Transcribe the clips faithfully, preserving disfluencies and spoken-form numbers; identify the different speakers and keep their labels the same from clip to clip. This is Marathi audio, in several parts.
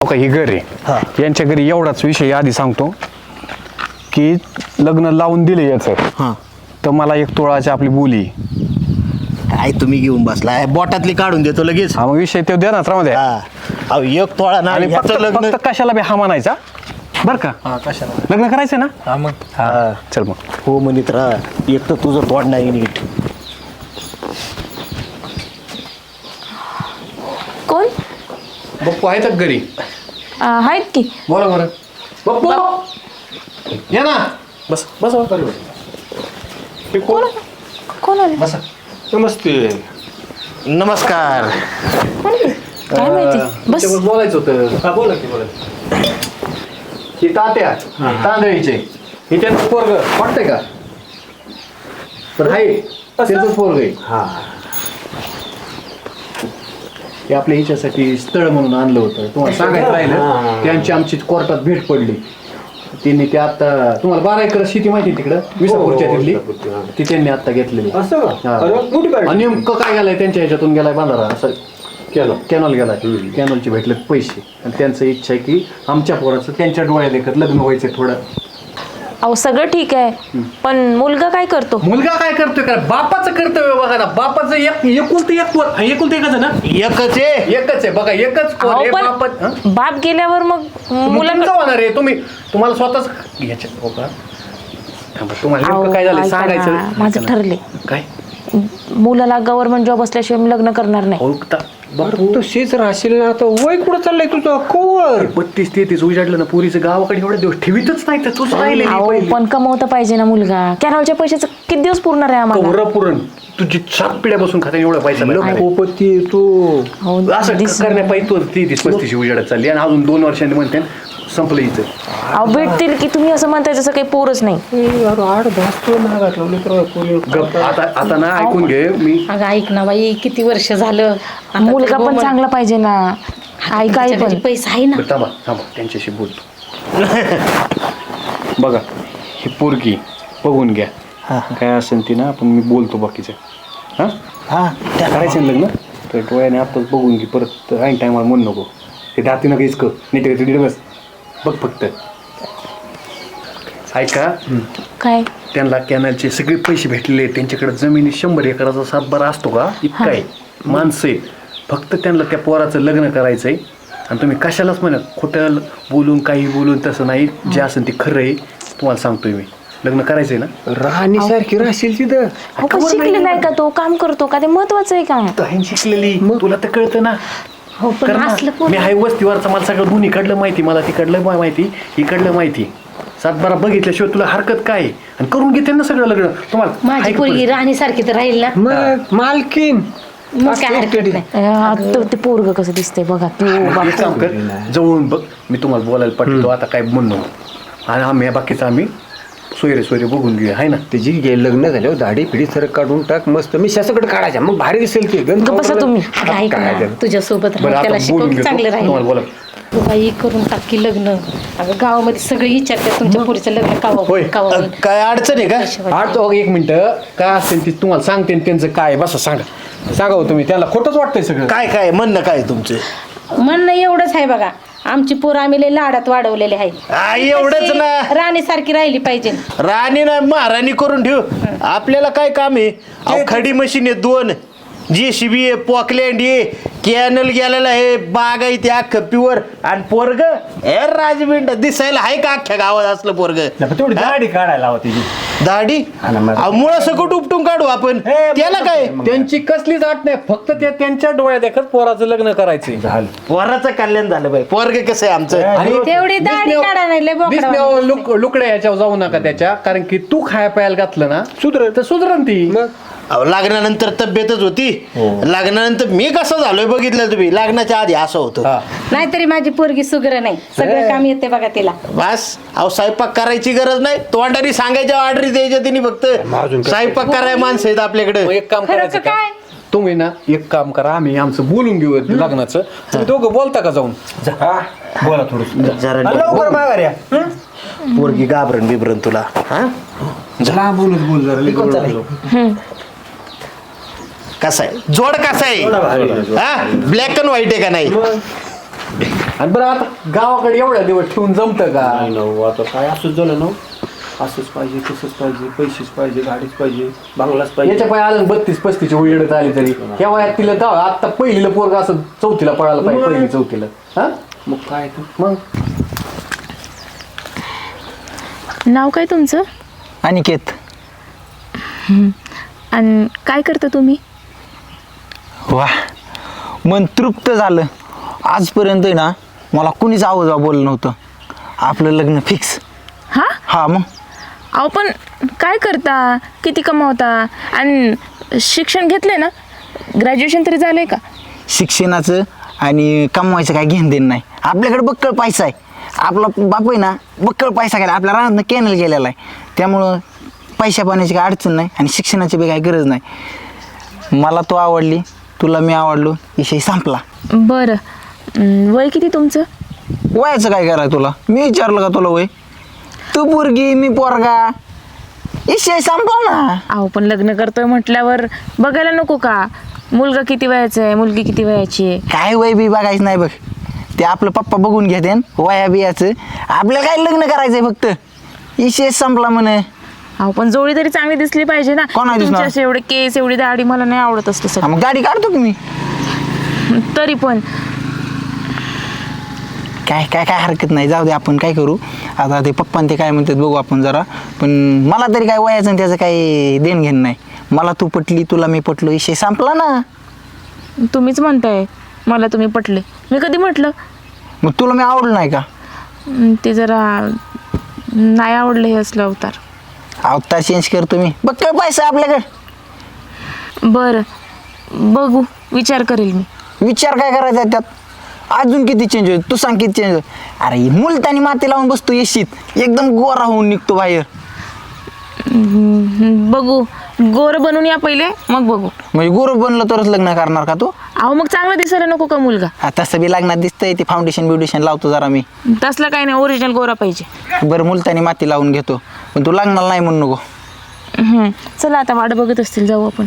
Speaker 1: का ही घर आहे यांच्या घरी एवढाच विषय आधी सांगतो की लग्न लावून दिले याचं
Speaker 2: हां
Speaker 1: तर मला एक तोळाची आपली बोली
Speaker 2: काय तुम्ही घेऊन बसलाय बोटातली काढून देतो लगेच.
Speaker 1: हा मग विषय ते द्या ना रामध्ये
Speaker 2: हा अहो एक तोळा ना
Speaker 1: आणि फक्त
Speaker 2: ह्याचं लग्न
Speaker 1: फक्त कशाला बी हा म्हणायचा बरं का
Speaker 3: कशाला
Speaker 1: लग्न करायचं ना
Speaker 3: हा मग
Speaker 1: हा चल मग
Speaker 2: हो म्हणित राहा एक तर तुझं तोड नाही नीट.
Speaker 4: कोण
Speaker 1: बप्पू आहेत का घरी
Speaker 4: आ, आहेत की
Speaker 1: बोला बरं बप्पू या ना
Speaker 3: बस बस
Speaker 1: हे कोण
Speaker 4: कोण आले
Speaker 1: बसा नमस्ते
Speaker 2: नमस्कार.
Speaker 4: कोण आले? काय माहिती बस
Speaker 1: तुमच्याबरोबर बोलायचं होतं
Speaker 3: हा बोला की बोला
Speaker 1: ही तात्या तांदळीचे ही त्यांचं पोरग वाटतंय का पण आहे त्यांचंच पोरग आहे
Speaker 3: हा
Speaker 1: हे आपल्या हिच्यासाठी स्थळ म्हणून आणलं होतं तुम्हाला सांगायचं राहिलं त्यांची आमची कोर्टात भेट पडली त्यांनी ते आता तुम्हाला बारा एकर शेती माहिती तिकडं विसापूरच्या तिथली ती त्यांनी आता घेतलेली
Speaker 3: असं का?
Speaker 1: हा.
Speaker 3: अरे, मोठी गाडी.
Speaker 1: आणि नेमकं काय गेलाय त्यांच्या ह्याच्यातून गेलाय बांधारा असं
Speaker 3: केलं
Speaker 1: कॅनॉल गेलाय कॅनॉलचे भेटले पैसे आणि त्यांचं इच्छा आहे की आमच्या पोराचं त्यांच्या डोळ्यात एकत लग्न व्हायचं थोडं
Speaker 4: अहो सगळं ठीक आहे पण मुलगा काय करतो
Speaker 1: मुलगा काय करतोय का बापाचं कर्तव्य बघा ना बापाचं एक एकुलतं एक पोर एकुलतं एकच आहे ना
Speaker 2: एकच आहे
Speaker 1: एकच आहे बघा एकच पोर
Speaker 4: अहो,
Speaker 1: आहे
Speaker 4: पण
Speaker 1: बापात हं?
Speaker 4: बाप गेल्यावर मग
Speaker 1: मुलांचं
Speaker 4: मुलांना
Speaker 1: होणार आहे तुम्ही तुम्हाला स्वतःच याच्यात हो का थांबा, तुम्हाला
Speaker 4: अहो,
Speaker 1: नेमकं काय झालं
Speaker 4: ऐका ना,
Speaker 1: सांगायचं
Speaker 4: माझं ठरले
Speaker 1: काय
Speaker 4: मुलाला गव्हर्नमेंट जॉब असल्याशिवाय मी लग्न करणार नाही
Speaker 1: हो का?
Speaker 3: बरं तू शेच राहशील ना आता वय कुठं चाललंय तुझं कवर
Speaker 1: बत्तीस तेहतीस उजाडलं ना पुरीचं गावाकडे एवढे दिवस ठेवीतच नाही तर तूच राहिले
Speaker 4: अहो पण कमवता पाहिजे ना मुलगा कॅनॉलच्या पैशाचं किती दिवस पुरणार आहे आम्हाला
Speaker 1: कवर पुरण तुझी सात पिढ्या बसून खाता एवढा पैसा मिळणार आहे.
Speaker 3: लखोपती तू
Speaker 4: अहो,
Speaker 1: असं
Speaker 4: दिस-
Speaker 1: करण्यापायी तू तेहतीस पस्तीस उजाडत चालली आणि अजून दोन वर्षांनी म्हणते संपलं इथं
Speaker 4: अहो भेटतील की तुम्ही असं म्हणताय तसं काही पोरच नाही
Speaker 3: ए, अरे आठ भासतो महागात लावले तर कोणी
Speaker 1: गप आता आता ना ऐकून घे मी
Speaker 5: अगं ऐक ना बाई किती वर्ष झालं आता
Speaker 4: मुलगा
Speaker 5: तर
Speaker 4: पण
Speaker 5: गो-
Speaker 4: चांगला पाहिजे ना आई काय
Speaker 5: त्याच्या
Speaker 4: पण
Speaker 5: घरी पैसा आहे ना
Speaker 1: बरं, थांबा थांबा त्यांच्याशी बोलतो बघा ही पोरगी बघून घ्या काय असेल ती ना आपण मी बोलतो बाकीचं हां
Speaker 2: हा
Speaker 1: करायचं ना लग्न तर डोळ्याने आत्ताच बघून घे परत ऐन टायमाला म्हणू नको ते दातीनं काहीच कर नीट नीट बस बघ फक्त ऐका
Speaker 4: काय
Speaker 1: त्यांना कॅनलचे सगळे पैसे भेटलेले आहेत त्यांच्याकडे जमिनी शंभर एकराचा सातबारा असतो का इतका आहे माणसं आहे फक्त त्यांना त्या पोराचं लग्न करायचं आहे आणि तुम्ही कशालाच म्हणा खोटं बोलून काही बोलून तसं नाही जे असेल ते खरं आहे तुम्हाला सांगतोय मी लग्न करायचंय ना
Speaker 3: राहणी सारखी राहशील तिथं
Speaker 4: अहो, पण शिकलेला आहे का तो काम करतो का ते महत्वाचं आहे का
Speaker 1: तहन शिकलेली तुला तर कळतं ना
Speaker 5: हो पण
Speaker 1: कर ना.
Speaker 5: असलं
Speaker 1: मी
Speaker 5: पोर
Speaker 1: हाय वस्तीवरचं मला सगळं दोन्ही इकडलं माहिती मला तिकडलं मा- माहिती इकडलं माहिती सातबारा बघितल्याशिवाय तुला हरकत काय आहे? आणि करून घेते ना सगळं लग्न तुम्हाला
Speaker 5: माझी
Speaker 1: ऐक
Speaker 5: पोरगी
Speaker 1: पण.
Speaker 5: राणी सारखी तर राहील ना
Speaker 3: मग मालकीन
Speaker 5: मग काय हरकत नाही
Speaker 4: अं, तो- ते पोरग कसं दिसतंय बघा तो
Speaker 1: एक काम कर जवळून बघ मी तुम्हाला बोलायला पाठवतो आता काय म्हणू आणि आम्ही या बाकीचं आम्ही सोयरे सोयरे बघून घेऊया आहे ना
Speaker 3: त्याची गे लग्न झाल्यावर दाढी पिढी सरक काढून टाक मस्त मी शासकडे काढायच्या मग भारी दिसेल ते गंध
Speaker 4: गप्प बसा तुम्ही.
Speaker 5: अगं ऐक
Speaker 3: काय
Speaker 5: ना
Speaker 3: झालं?
Speaker 5: तुझ्या सोबत
Speaker 1: बरं
Speaker 5: राहून त्याला
Speaker 1: आता बोलून
Speaker 5: शिकवून
Speaker 1: घेतो
Speaker 5: चांगलं
Speaker 1: तुम्हाला
Speaker 5: राहील
Speaker 1: बोला
Speaker 5: तू बाई करून टाकी लग्न अगं गावामध्ये सगळे विचारतात तुमच्या पोरीचं लग्न कावा
Speaker 1: होय.
Speaker 5: होईल, कावा होईल.
Speaker 2: काय अडचण आहे का
Speaker 1: आठ तो एक मिनिटं काय असेल ते तुम्हाला सांगते आणि त्यांचं काय बसा सांगा सांगा हो तुम्ही त्याला खोटंच वाटतंय सगळं
Speaker 2: काय काय म्हणणं काय तुमचं
Speaker 5: म्हणणं एवढंच आहे बघा आमची पोरं आम्ही लय लाडात वाढवलेले आहे
Speaker 2: हा, एवढंच ना
Speaker 5: राणी सारखी राहिली पाहिजे
Speaker 2: राणी ना महाराणी करून ठेव आपल्याला काय काम आहे अहो खडी मशीन आहे दोन जी सी बी आहे पॉकलँड आहे कॅनल गेलेला आहे बाग आहे त्या खप्पीवर आणि पोरग ए राजबिंड दिसायला आहे का अख्ख्या गावात असलं पोरग
Speaker 1: तेवढी दाढी काढायला हवी
Speaker 2: दाढी मुळा सकट उपटून काढू आपण त्याला काय
Speaker 1: त्यांची कसलीच आठ नाही फक्त ते त्यांच्या डोळ्यात देखत पोराचं लग्न करायचंय झालं
Speaker 2: पोराचं कल्याण झालं बाई पोरग कसं आहे आमचं
Speaker 5: तेवढी दाढी काढा नाही लय बोकडावानी
Speaker 1: दिसण्यावर लुक लुकड्या याच्यावर जाऊ नका त्याच्या कारण की तू खाया प्यायला घातलं ना सुधर तर सुधरण ती
Speaker 2: अहो लग्नानंतर तब्येतच होती लग्नानंतर मी कसं झालोय बघितलं तुम्ही लग्नाच्या आधी असं होतं
Speaker 5: नाहीतरी माझी पोरगी सुग्र नाही सगळं काम येते बघा तिला
Speaker 2: बस अहो स्वयंपाक करायची गरज नाही तोंडारी सांगायच्या ऑर्डर द्यायच्या तिने फक्त स्वयंपाक कराय माणसं आहेत आपल्याकडे
Speaker 1: मग एक काम
Speaker 5: खरं
Speaker 1: करायचं
Speaker 5: का
Speaker 1: का?
Speaker 5: काय?
Speaker 1: तुम्ही ना एक काम करा आम्ही आमचं बोलून घेऊ लग्नाचं तुम्ही दोघं बोलता का जाऊन बोला थोडं
Speaker 2: जरा पोरगी घाबरण बिबरण तुला हा कसा आहे जोड कसा आहे हा ब्लॅक अँड व्हाईट आहे का नाही
Speaker 1: आणि बरं आता गावाकडे एवढ्या दिवस ठेवून जमतं का?
Speaker 3: नाही ना हो, आता काय असंच झालं ना. असंच पाहिजे, तसंच पाहिजे, पैसेच पाहिजे, गाडीच पाहिजे, बांगलाच पाहिजे.
Speaker 1: याच्या पाय आलं बत्तीस पस्तीस उजेडत आली तरी ह्या वयात तिला जाऊ आता पहिलीला पोरगा असं चौथीला पळायला पाहिजे, पहिली चौथीला. हा
Speaker 3: मग काय तर.
Speaker 1: मग
Speaker 4: नाव काय तुमचं?
Speaker 6: अनिकेत.
Speaker 4: आणि काय करता तुम्ही?
Speaker 6: वा, मन तृप्त झालं. आजपर्यंत आहे ना मला कुणीच आवाजा बोललं नव्हतं. आपलं लग्न फिक्स.
Speaker 4: हा
Speaker 6: हा मग
Speaker 4: अहो पण काय करता, किती कमावता, आणि शिक्षण घेतलंय ना, ग्रॅज्युएशन तरी झालंय का?
Speaker 6: शिक्षणाचं आणि कमवायचं काय घेणं देणं नाही. आपल्याकडे बक्कळ पैसा आहे. आपला बाप आहे ना बक्कळ पैसा गेला, आपल्या रानातनं कॅनल गेलेला आहे. त्यामुळं पैशा पाण्याची काय अडचण नाही आणि शिक्षणाची बी काही गरज नाही. मला तो आवडली, तुला मी आवडलो, विषय संपला.
Speaker 4: बरं, अं, वय किती तुमचं?
Speaker 6: वयाचं काय करायचं तुला? मी विचारलं का तुला वय? तू पोरगी मी पोरगा, विषय संपला ना.
Speaker 4: अहो पण लग्न करतोय म्हटल्यावर बघायला नको का? मुलगा किती वयाचा आहे, मुलगी किती वयाची आहे?
Speaker 6: काय वय बी बघायचं नाही बघ. ते आपलं पप्पा बघून घेते वया बियाचं. आपल्याला काय लग्न करायचंय फक्त, विषय संपला म्हणे.
Speaker 4: अहो पण जोडी तरी चांगली दिसली पाहिजे ना.
Speaker 6: कोण आहे दिसणार?
Speaker 4: तुमचे असे एवढे केस, एवढी दाढी मला नाही आवडत असते
Speaker 6: हा,
Speaker 4: सगळं.
Speaker 6: मग गाडी काढतो की मी.
Speaker 4: तरी पण
Speaker 6: काय काय काय हरकत नाही, जाऊ दे. आपण काय करू आता, ते पप्पा ते काय म्हणतात बघू आपण जरा. पण मला तरी काय वयाचं आणि त्याचं काही देण घेणं नाही. मला तू पटली, तुला मी पटलो, विषय संपला ना.
Speaker 4: तुम्हीच म्हणताय मला तुम्ही पटले. मी कधी म्हटलं?
Speaker 6: मग तुला मी आवडलं नाही का?
Speaker 4: अं, ते जरा नाही आवडलं हे असलं अवतार.
Speaker 6: अवतार चेंज करतो मी, बघ काय पैसा आहे आपल्याकडे.
Speaker 4: बरं, बघू, विचार करेल मी.
Speaker 6: विचार काय करायचा आहे त्यात? अजून किती चेंज होईल तू सांग, किती चेंज होईल? अरे मुलतानी माती लावून बसतो येशीत, एकदम गोरा होऊन निघतो बाहेर.
Speaker 4: हम्म, बघू, गोर बनून या पहिले, मग बघू.
Speaker 6: म्हणजे गोर बनलं तरच लग्न करणार का तू?
Speaker 4: अहो मग चांगला दिसायला नको का मुलगा?
Speaker 6: हा, तसं बी लग्नात दिसतंय, ते फाउंडेशन ब्युडेशन लावतो जरा मी.
Speaker 4: तसलं काही नाही, ओरिजिनल गोरा पाहिजे.
Speaker 6: बरं मुलतानी माती लावून घेतो, पण तू लग्नाला नाही म्हणू नको.
Speaker 4: हम्म, चला आता वाट बघत असतील, जाऊ आपण.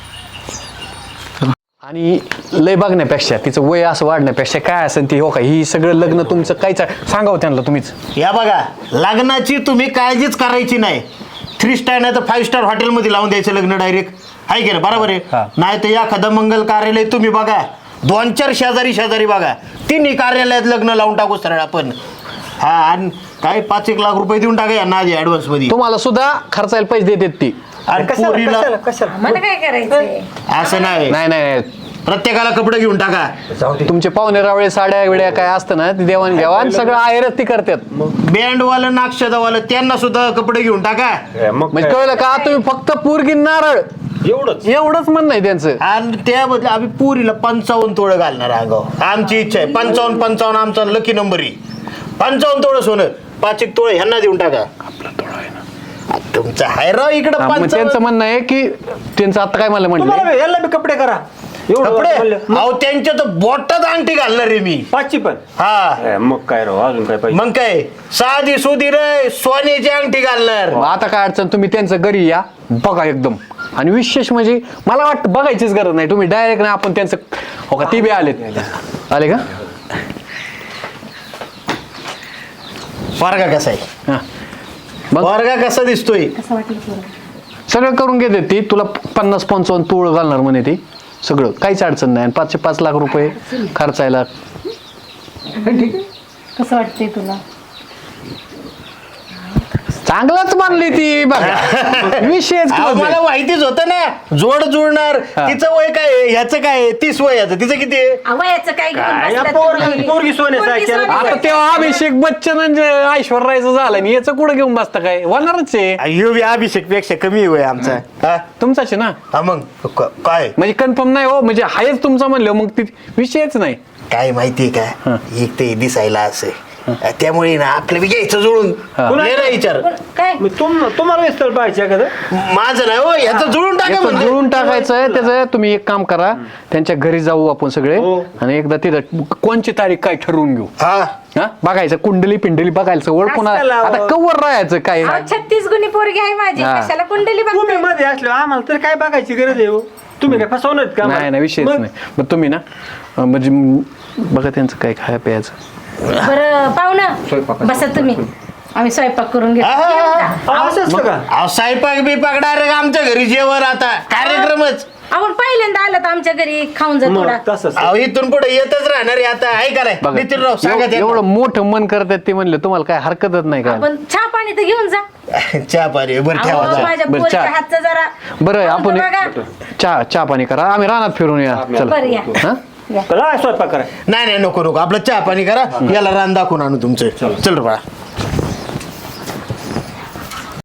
Speaker 1: आणि लय बघण्यापेक्षा तिचं वय असं वाढण्यापेक्षा काय असेल ती, हो का, ही सगळं लग्न तुमचं काहीच सांगावं त्यांना तुम्हीच.
Speaker 2: या बघा, लग्नाची तुम्ही काळजीच करायची नाही. थ्री स्टार नाही तर फाईव्ह स्टार हॉटेलमध्ये लावून द्यायचं लग्न डायरेक्ट, आहे की ना? बरोबर आहे. नाही तर एखादं मंगल कार्यालय तुम्ही बघा, दोन चार शेजारी शेजारी बघा, तिन्ही कार्यालयात लग्न लावून टाकू सरळ आपण. हा, आणि काय पाच एक लाख रुपये देऊन टाका यांना आधी ऍडव्हान्स मध्ये.
Speaker 1: तुम्हाला सुद्धा खर्चायला पैसे देतात ती.
Speaker 2: आणि पोरीला
Speaker 5: मला काय करायचंय?
Speaker 2: असं नाही,
Speaker 1: नाही नाही
Speaker 2: प्रत्येकाला कपडे घेऊन टाका.
Speaker 1: तुमचे पाहुणे रावळे साड्या विड्या काय असतं ना, ती देवाण घेवाण सगळं आहेरच ती करतात.
Speaker 2: बँडवालं नाक्षदावालं त्यांना सुद्धा कपडे घेऊन टाका.
Speaker 3: मग
Speaker 1: म्हणजे कळलं का? तुम्ही फक्त पूरगी नारळ
Speaker 3: एवढंच.
Speaker 1: एवढंच म्हणणं आहे त्यांचं.
Speaker 2: आणि त्याबद्दल आम्ही पुरीला पंचावन्न तोळं घालणार आगाव. आमची इच्छा आहे पंचावन्न पंचावन्न, आमचा लकी नंबर आहे. पंचावन्न तोळं सोनं, पाच एक तोळे ह्यांना देऊन टाका. तुमचं हाय राव इकडं
Speaker 1: हा, मग त्यांचं
Speaker 2: पंचावन्न
Speaker 1: म्हणणं आहे की त्यांचं आता काय मला म्हणलं,
Speaker 3: तुम्हाला याला बी कपडे करा. एवढं
Speaker 2: कपडे.
Speaker 3: म्हणलं.
Speaker 2: अहो त्यांच्या तर बोटात अंगठी घालणार आहे मी.
Speaker 3: पाचशे पण.
Speaker 2: हा,
Speaker 3: ए, मग काय राव, अजून काय पाहिजे?
Speaker 2: मग काय साधी सुधी रे सोन्याची अंगठी घालणार.
Speaker 1: मग आता काय अडचण, तुम्ही त्यांचं घरी या बघा एकदम. आणि विशेष म्हणजे मला वाटतं बघायचीच गरज नाही, तुम्ही डायरेक्ट ना आपण त्यांचं, हो का, ती बी आलेत. आले का?
Speaker 2: वर्गा कसा आहे?
Speaker 1: हा, मग
Speaker 2: वर्गा कसा दिसतोय?
Speaker 5: कसं वाटलं तुला?
Speaker 1: सगळं करून घेते ती. तुला पन्नास पंचावन्न तूळ घालणार म्हणे ती, सगळं काहीच अडचण नाही. आणि पाचशे पाच लाख रुपये खर्चायला.
Speaker 5: कसं वाटतंय तुला?
Speaker 1: चांगलाच मानली ती बघा. विषयच
Speaker 2: अहो,
Speaker 1: close आहे.
Speaker 2: मला माहितीच होतं ना, जोड जुळणार. तिचं वय काय आहे? ह्याचं काय आहे? तीस वय याचं, तिचं किती आहे?
Speaker 5: वयाचं काय घेऊन
Speaker 3: काय
Speaker 5: बसलात
Speaker 3: पोरगी-
Speaker 5: तुम्ही?
Speaker 3: पोरगी सोन्याचं
Speaker 5: पोरगी
Speaker 3: ऐकायला-
Speaker 5: सोन्याचं.
Speaker 1: आता तेव्हा अभिषेक बच्चन आणि ऐश्वर्याचं झालं आणि याचं कुठं घेऊन बसता काय? होणारच आहे.
Speaker 2: ह्यो बी अभिषेक पेक्षा कमी वय आमचा. हा?
Speaker 1: तुमचाच आहे ना,
Speaker 2: हा, मग क- काय
Speaker 1: म्हणजे कन्फर्म नाही हो, म्हणजे हायच तुमचा म्हणलं मग ती विषयच नाही.
Speaker 2: काय माहितीये का, एक ते दिसायला असं त्यामुळे ना आपलं बी घ्यायचं जुळून. लय ना विचार
Speaker 5: काय
Speaker 3: मग तुम तुम्हाला स्थळ पाहिजे एखादं?
Speaker 2: माझं नाही हो, ह्याचं जुळून टाका
Speaker 1: याचं
Speaker 2: म्हणलं.
Speaker 1: जुळून टाकायचंय. त्याचं तुम्ही एक काम करा, त्यांच्या घरी जाऊ आपण सगळे आणि एकदा तिथं कोणची तारीख काय ठरवून घेऊ.
Speaker 2: हा,
Speaker 1: हा, बघायचं कुंडली पिंडली बघायचं, ओळखून
Speaker 3: कशाला?
Speaker 1: आता कवर राहायचं काय.
Speaker 5: अहो, छत्तीस गुणी पोरगी आहे माझी,
Speaker 1: हा.
Speaker 5: कशाला कुंडली
Speaker 3: तुम्ही
Speaker 5: बघताय?
Speaker 3: मध्ये असलो आम्हाला तर काय बघायची गरज आहे हो? तुम्ही काय फसवणार का
Speaker 1: नाही
Speaker 3: आम्हाला?
Speaker 1: नाही विषयच
Speaker 3: मग
Speaker 1: नाही. मग तुम्ही ना अं, म्हणजे बघा त्यांचं काय खाया प्यायचं.
Speaker 5: बरं पाहुणा
Speaker 3: स्वयंपाकाचं.
Speaker 5: बसा तुम्ही, आम्ही स्वयंपाक करून घेतो.
Speaker 2: आहा,
Speaker 5: येऊ का?
Speaker 3: अहो, असं असतं का?
Speaker 2: अहो स्वयंपाक बिपाक डायरेक्ट आमच्या घरी जेवण आता कार्यक्रमच.
Speaker 5: आपण पहिल्यांदा आलात आमच्या घरी, खाऊन जा
Speaker 3: मग
Speaker 5: थोडा.
Speaker 3: तसंच
Speaker 2: अहो इथून पुढे येतच राहणार आहे आता, आहे का नाही
Speaker 1: बघा
Speaker 2: नितीनराव सांगा
Speaker 1: एव- एवढं मोठं मन करतात ते म्हणले तुम्हाला काय हरकतच नाही का?
Speaker 5: आपण चहा पाणी तर घेऊन जा.
Speaker 2: त्यांना. चहा पाणी बरं
Speaker 5: अहो,
Speaker 2: ठेवा चहा.
Speaker 5: माझ्या
Speaker 1: बरं,
Speaker 5: पोरीच्या
Speaker 1: चहा.
Speaker 5: हातचं जरा
Speaker 1: बरं
Speaker 5: खाऊन
Speaker 1: आपण
Speaker 5: तर बघा.
Speaker 1: चहा चहा पाणी करा, आम्ही रानात फिरून या. चला
Speaker 5: बरं या.
Speaker 1: हा
Speaker 3: करा स्वयंपाक करा.
Speaker 2: नाही नाही नको नको आपलं चहा पाणी करा, याला रान दाखवून आणू तुमचं. चल रे बाळा.